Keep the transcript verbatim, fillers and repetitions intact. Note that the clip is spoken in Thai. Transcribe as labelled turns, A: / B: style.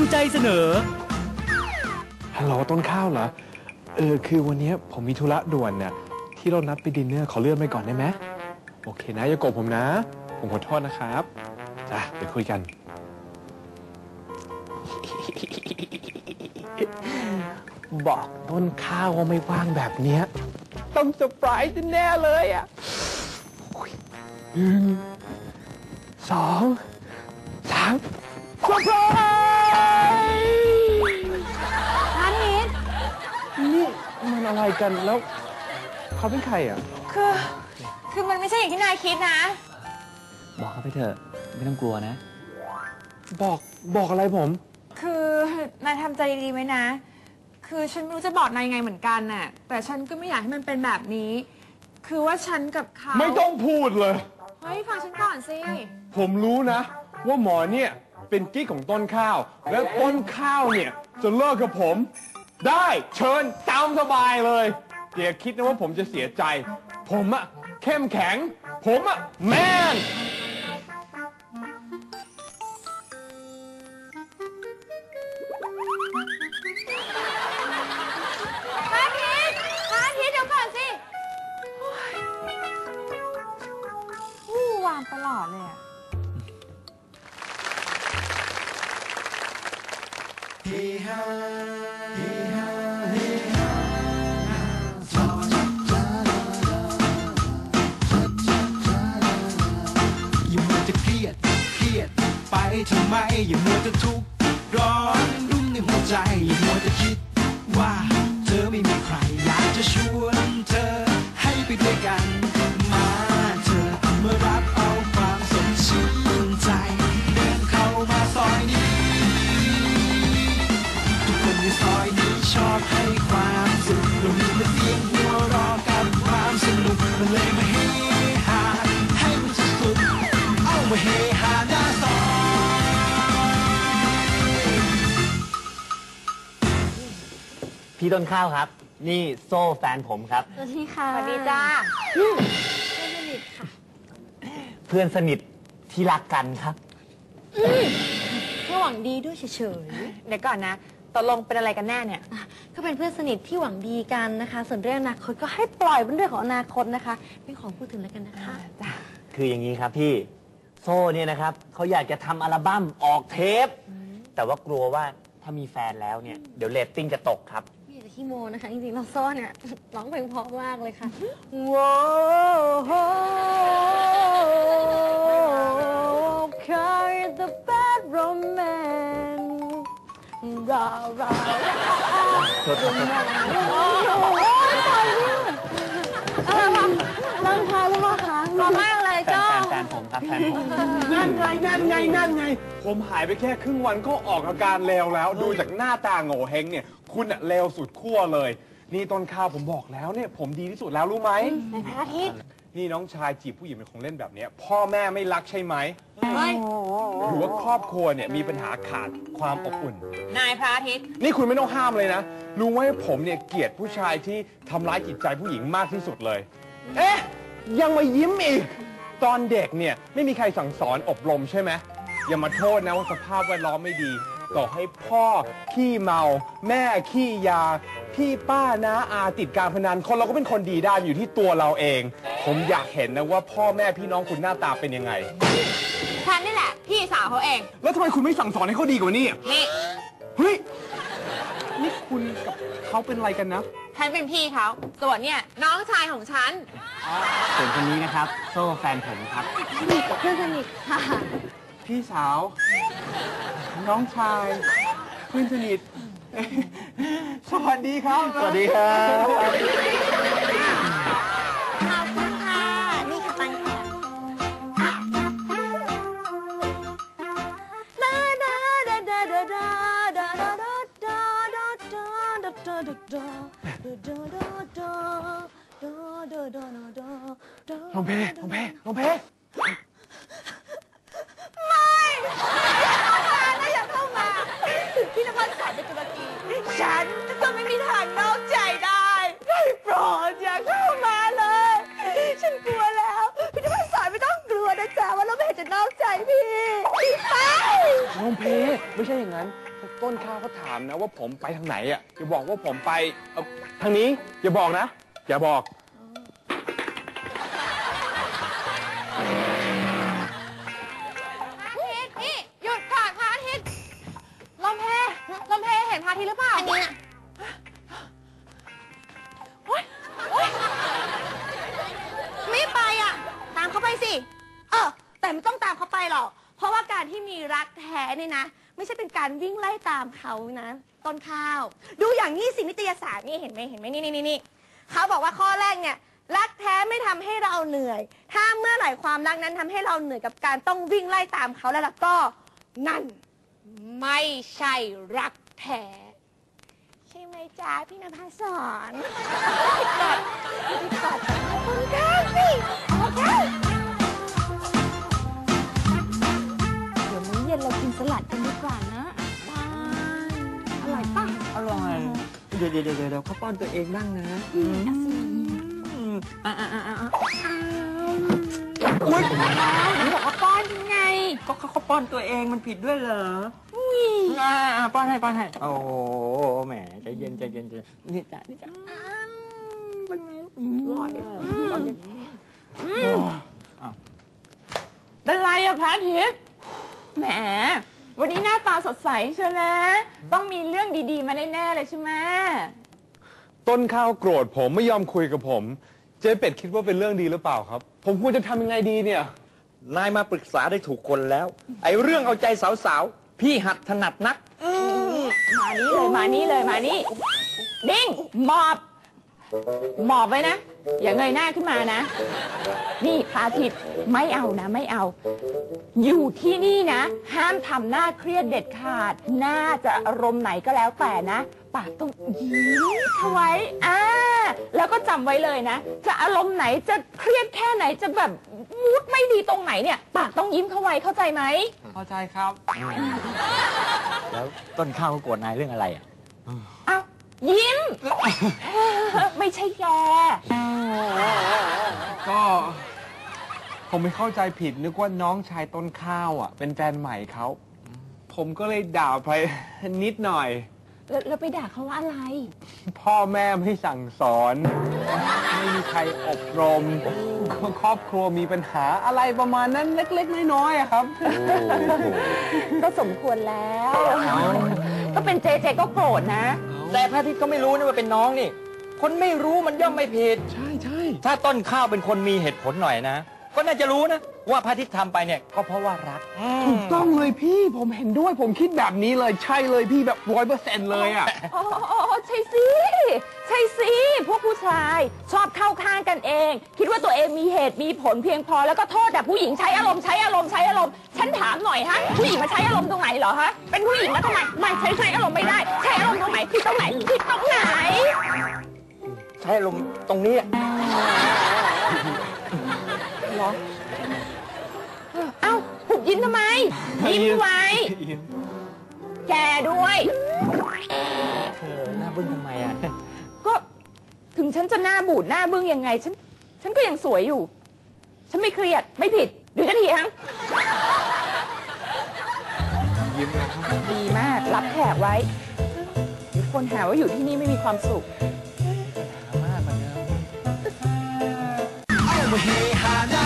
A: มิใจเสนอ
B: ฮัลโหลต้นข้าวเหรอเออคือวันนี้ผมมีธุระด่วนเนี่ยที่เรานัดไปดินเนอร์ขอเลื่อนไปก่อนได้ไหมโอเคนะอย่าโกรธผมนะผมขอโทษนะครับจ้ะเดี๋ยวคุยกันบอกต้นข้าวว่าไม่ว่างแบบเนี้ยต้องเซอร์ไพรส์แน่เลยอ่ะหนึ่งสองสามเซอร์ไพรส์
C: นันนิด
B: นี่มันอะไรกันแล้วเขาเป็นใครอ่ะ
C: คือคือมันไม่ใช่อย่างที่นายคิดนะ
A: บอกเขาไปเถอะไม่ต้องกลัวนะ
B: บอกบอกอะไรผม
C: คือนายทำใจดีๆไหมนะคือฉันไม่รู้จะบอกนายยังไงเหมือนกันน่ะแต่ฉันก็ไม่อยากให้มันเป็นแบบนี้คือว่าฉันกับเขา
B: ไม่ต้องพูดเลย
C: เฮ้ยฟังฉันก่อนสิ
B: ผมรู้นะว่าหมอเนี่ยเป็นกิ๊กของต้นข้าวและต้นข้าวเนี่ยจะเลิกกับผมได้เชิญตามสบายเลยอย่าคิดนะว่าผมจะเสียใจผมอะเข้มแข็งผมอะแมน
C: พระอาทิตย์พระอาทิตย์เดี๋ยวก่อนสิวู้วามตลอดเลยอะเฮฮาเฮฮาเฮฮา
D: อย่ามัวจะเครียดเครียดไปทำไมอย่ามัวจะทุกข์ร้อนรุ่มในหัวใจอย่ามัวจะคิดว่าเธอไม่มีใครอยากจะชวนเธอให้ไปด้วยกันมาเธอมารับเอาความสดชื่นใจเดินเข้ามาซอยนี้ทุกคนในซอยนี้ชอบให้ความสุขเรามีแต่เสียงหัวเราะกับความสนุกมันเลยมาเฮฮาให้มันสุดๆเอามาเฮฮาหน้าซอย
A: พี่ต้นข้าวครับนี่โซ่แฟนผมครับ
C: สวัสดีค่ะสวัสดีจ้าเพื่อนสนิทค่ะ
A: เพื่อนสนิทที่รักกันครับ
C: แค่หวังดีด้วยเฉยๆเดี๋ยวก่อนนะตกลงเป็นอะไรกันแน่เนี่ย
E: ก็เป็นเพื่อนสนิทที่หวังดีกันนะคะส่วนเรื่องอนาคตก็ให้ปล่อยเป็นเรื่องของอนาคตนะคะไม่ขอพูดถึงแล้วกันนะคะ
A: คืออย่างนี้ครับพี่โซ่เนี่ยนะครับเขาอยากจะทำอัลบั้มออกเทปแต่ว่ากลัวว่าถ้ามีแฟนแล้วเนี่ยเดี๋ยวเรตติ้งจะตกครับ
E: ไม่อยากจะขี้โมนะคะจริงๆเราโซ่เนี่ยร้องเพลงเพราะมากเลยค่ะว้าวCarry the bad romance รอรอโอ้ยตายเนี่ยอะไรวะร่างกายว่าคะร้องมากเลยเจ้า
A: แฟนผมครับแฟนผม
B: นั่นไงนั่นไงนั่นไงผมหายไปแค่ครึ่งวันก็ออกอาการเลวแล้วดูจากหน้าตาโง่เฮงเนี่ยคุณอะเลวสุดขั้วเลยนี่ต้นข้าวผมบอกแล้วเนี่ยผมดีที่สุดแล้วรู้ไหม
C: ในพระอาทิตย์
B: นี่น้องชายจีบผู้หญิงเป็นของเล่นแบบนี้พ่อแม่ไม่รักใช่ไหมหรือว่าครอบครัวเนี่ยมีปัญหาขาดความอบอุ่น
C: นายพระอาทิตย์
B: นี่คุณไม่ต้องห้ามเลยนะรู้ไหมผมเนี่ยเกลียดผู้ชายที่ทำร้ายจิตใจผู้หญิงมากที่สุดเลยเอ๊ะยังมายิ้มอีกตอนเด็กเนี่ยไม่มีใครสั่งสอนอบรมใช่ไหมอย่ามาโทษนะว่าสภาพแวดล้อมไม่ดีต่อให้พ่อขี้เมาแม่ขี้ยาพี่ป้าน้าอาติดการพนันคนเราก็เป็นคนดีได้อยู่ที่ตัวเราเองผมอยากเห็นนะว่าพ่อแม่พี่น้องคุณหน้าตาเป็นยังไง
C: ฉันนี่แหละพี่สาวเขาเอง
B: แล้วทำไมคุณไม่สั่งสอนให้เขาดีกว่านี้
C: นี่
B: เฮ้ยนี่คุณกับเขาเป็นอะไรกันนะ
C: ฉันเป็นพี่เขาส่วนเนี่ยน้องชายของฉัน
A: ส่วนคนนี้นะครับโซ่แฟนผมครับ
E: เพื่อนสนิทค่ะ
B: พี่สาวน้องชายเพื่อนสนิทสวัสดีครับ
A: สวัสดีครับ
E: ขอบคุณค่ะนี่ค่ะตังค่ะ
B: ลงเพลงเพลงเพลง
C: พี่นภัสสอนเป็นตุรกีฉันจะไม่มีทางนอกใจได้ได้โปรดอย่าเข้ามาเลยฉันกลัวแล้วพี่นภัสสอนไม่ต้องกลัวนะจ๊ะว่าเราไม่เห็นจะนอกใจพี่ไป
B: น้องเพไม่ใช่อย่างนั้นต้นข้าวเขาถามนะว่าผมไปทางไหนอ่ะอย่าบอกว่าผมไปเอ่อทางนี้อย่าบอกนะอย่าบอก
E: นี่หยุดก่อนพระอาทิตย์ลมเพลมเพเห็นพระอาทิตย์หรือเปล่าอันนี้น่ะไม่ไปอ่ะตามเขาไปสิเออแต่ไม่ต้องตามเขาไปหรอกเพราะว่าการที่มีรักแท้นี่นะไม่ใช่เป็นการวิ่งไล่ตามเขานะต้นข้าวดูอย่างนี้สินิตยสารนี่เห็นไหมเห็นไหมนี่นี่นี่เขาบอกว่าข้อแรกเนี่ยรักแท้ไม่ทำให้เราเหนื่อยถ้าเมื่อไหร่ความรักนั้นทำให้เราเหนื่อยกับการต้องวิ่งไล่ตามเขาแล้วล่ะก็นั่นไม่ใช่รักแท้ใช่ไหมจ๊ะพี่นภาสอนกอดกอดคนข้างสิโอเคเดี๋ยวมื้อเย็นเรากินสลัดกันดีกว่านะบ้านอร่อยป่ะ
A: อร่อย เดี๋ยวเดี๋ยวเดี๋ยวเดี๋ยวเขาป้อนตัวเองบ้างนะอืมอ่าอ่าอ่าอ่าอุ้ย
E: ไหนบอกว่าป้อนยังไง
A: ก็เขาเขาป้อนตัวเองมันผิดด้วยเหรออ่าอ่าป้อนให้ป้อนให้โอ้โหแหมใจเย็นใจเย็นใจเย็นนี่จ้ะนี่จ้ะเป็นไงอร่อยป้อนอย่างนี้อ้าว
C: เป็นไรอะพระอาทิตย์แหมวันนี้หน้าตาสดใสเชียวนะต้องมีเรื่องดีๆมาแน่ๆเลยใช่ไหม
B: ต้นข้าวโกรธผมไม่ยอมคุยกับผมเจ๊เป็ดคิดว่าเป็นเรื่องดีหรือเปล่าครับ ผมควรจะทำยังไงดีเนี่ย
A: นายมาปรึกษาได้ถูกคนแล้ว ไอ้เรื่องเอาใจสาวๆพี่หัดถนัดนัก
C: มานี้เลยมานี้เลยมานี้ดิ้งหมอบหมอบไว้นะอย่าเงยหน้าขึ้นมานะนี่พระอาทิตย์ไม่เอานะไม่เอา อยู่ที่นี่นะ ห้ามทำหน้าเครียดเด็ดขาดน่าจะอารมณ์ไหนก็แล้วแต่นะปากต้องยิ้มเข้าไว้อ่าแล้วก็จำไว้เลยนะจะอารมณ์ไหนจะเครียดแค่ไหนจะแบบมูดไม่ดีตรงไหนเนี่ยปากต้องยิ้มเข้าไว้เข้าใจไหม
B: เข้าใจครับ
A: แล้วต้นข้าวเขาโกรธนายเรื่องอะไรอ่ะ
C: อ้าวยิ้ม ไม่ใช่แก
B: ก็ ผมไม่เข้าใจผิดนึกว่าน้องชายต้นข้าวอ่ะ เป็นแฟนใหม่เขาผมก็เลยด่าไปนิดหน่อย
C: แล้วแล้วไปด่าเขาว่าอะไร
B: พ่อแม่ไม่สั่งสอน ไม่มีใครอบรม ครอบครัวมีปัญหาอะไรประมาณนั้นเล็กๆน้อยๆอะครับ
C: ก็สมควรแล้ว ก็เป็นเจเจก็โกรธนะ
A: แต่พระอาทิตย์ก็ไม่รู้นี่ว่าเป็นน้องนี่ คนไม่รู้มันย่อมไม่ผิด
B: ใช่ใช่
A: ถ้าต้นข้าวเป็นคนมีเหตุผลหน่อยนะ ก็น่าจะรู้นะ ว่าพระอาทิตย์ทำไปเนี่ยก็เพราะว่ารัก
B: ถูกต้องเลยพี่ผมเห็นด้วยผมคิดแบบนี้เลยใช่เลยพี่แบบร้อยเปอร์เซ็นต์เลยอ่ะ
C: อ๋อใช่สิ ใช่สิ พวกผู้ชายชอบเข้าข้างกันเอง คิดว่าตัวเองมีเหตุมีผลเพียงพอแล้วก็โทษแต่ผู้หญิงใช้อารมณ์ใช้อารมณ์ใช้อารมณ์ฉันถามหน่อยฮะผู้หญิงมาใช้อารมณ์ตรงไหนเหรอฮะเป็นผู้หญิงแล้วทำไมไม่ใช้ใช้อารมณ์ไม่ได้ใช้อารมณ์ตรงไหนผิดตรงไหนผิดตรงไหน
A: ใช้ลมณ์ตรงนี้อะ
C: เหรอเอ้าหุบยิ้มทำไมยิ้มไว้ แกด้วย
A: เออหน้าบึ้งทำไมอ่ะ
C: ก็ถึงฉันจะหน้าบูดหน้าบึ้งยังไงฉันฉันก็ยังสวยอยู่ ฉันไม่เครียดไม่ผิดหรือจะเถียง
B: ยิ้มนะครับ
C: ดีมากรับแขกไว้เดี๋ยวคนหาว่าอยู่ที่นี่ไม่มีความสุข
B: มากกว่าเดิม
D: เอามาเฮฮาหน้า